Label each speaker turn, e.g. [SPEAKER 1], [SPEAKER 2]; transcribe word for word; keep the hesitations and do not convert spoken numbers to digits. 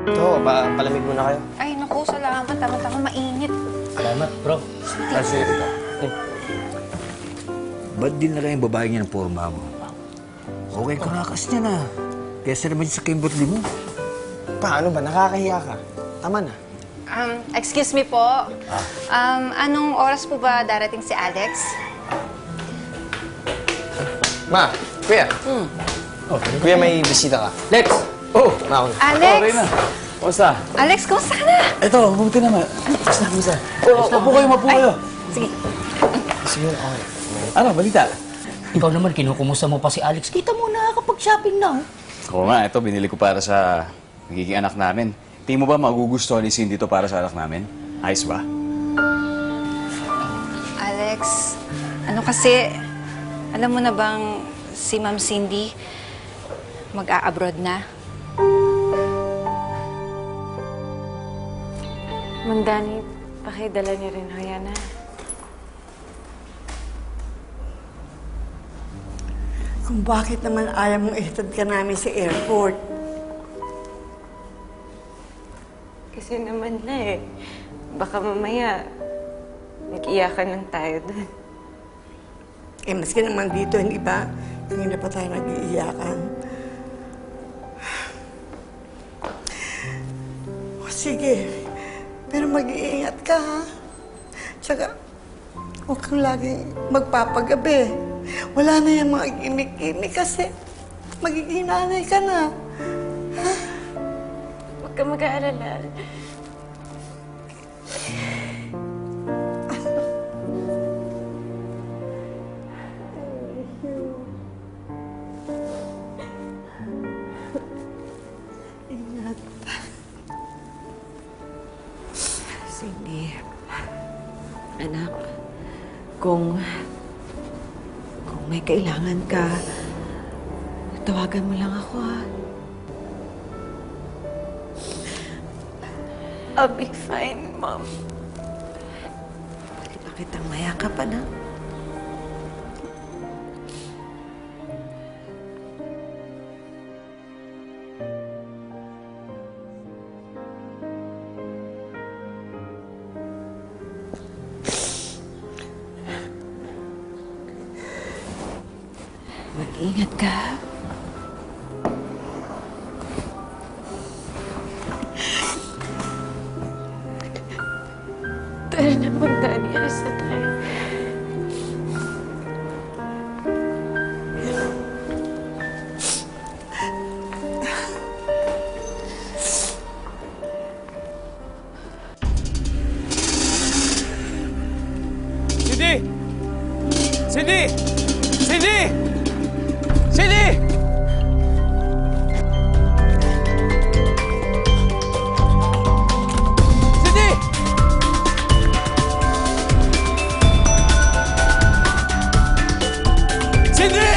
[SPEAKER 1] Ito, pa palamig muna kayo.
[SPEAKER 2] Ay, naku, salamat. Tama-tama, mainit.
[SPEAKER 3] Salamat, bro.
[SPEAKER 1] Kasi ito.
[SPEAKER 4] Ba't din na lang yung babae niya ng porma mo? Okay ka nga kasi niya na. Kesa naman sa Kimberly mo.
[SPEAKER 1] Paano ba? Nakakahiya ka. Tama na.
[SPEAKER 2] Um, excuse me po. Um, anong oras po ba darating si Alex?
[SPEAKER 1] Ma, kuya.
[SPEAKER 3] Hmm. Oh,
[SPEAKER 1] Kuya, may bisita ka.
[SPEAKER 3] Lex!
[SPEAKER 1] Oh, ma,
[SPEAKER 2] Alex!
[SPEAKER 3] Okay na. Kumusta?
[SPEAKER 2] Alex, kumusta ka na?
[SPEAKER 3] Ito, mabuti naman. Kumusta, kumusta? Oh, mapo kayo, mapo kayo.
[SPEAKER 2] Sige.
[SPEAKER 1] Sige, okay.
[SPEAKER 3] Ano, balita?
[SPEAKER 5] Ikaw naman, kinukumusta mo pa si Alex. Kita mo, nakakapag-shopping na.
[SPEAKER 6] Oo nga, ito binili ko para sa magiging anak namin. Tingin mo ba magugustuhan ni Cindy to para sa anak namin? Ayos ba?
[SPEAKER 2] Alex, ano kasi, alam mo na bang si Ma'am Cindy mag-a-abroad na?
[SPEAKER 7] Mang Danny, pakidala niyo rin ho yan, ha?
[SPEAKER 8] Kung bakit naman ayaw mong ihatid ka namin sa airport.
[SPEAKER 7] Kasi naman na eh. Baka mamaya, nag-iyakan lang tayo dun.
[SPEAKER 8] Eh, maski naman dito, hindi ba? Hindi na pa tayo nag-iiyakan. O, sige. Pero mag-iingat ka, ha? Tsaka, huwag kang laging magpapagabi. Wala na yung mga gimmick-gimmick kasi magiging nanay ka na.
[SPEAKER 7] Huwag ka mag-aalala.
[SPEAKER 8] Ingat.
[SPEAKER 9] Cindy, anak, kung kung may kailangan ka, tawagan mo lang ako, ha?
[SPEAKER 7] I'll be fine, Mom.
[SPEAKER 9] Pwede ba kitang mayakap, anak? Mag-ingat ka.
[SPEAKER 7] Tara na, Mang Danny. Alas na tayo.
[SPEAKER 6] Cindy! Cindy! Cindy! Cindy! Cindy! Cindy!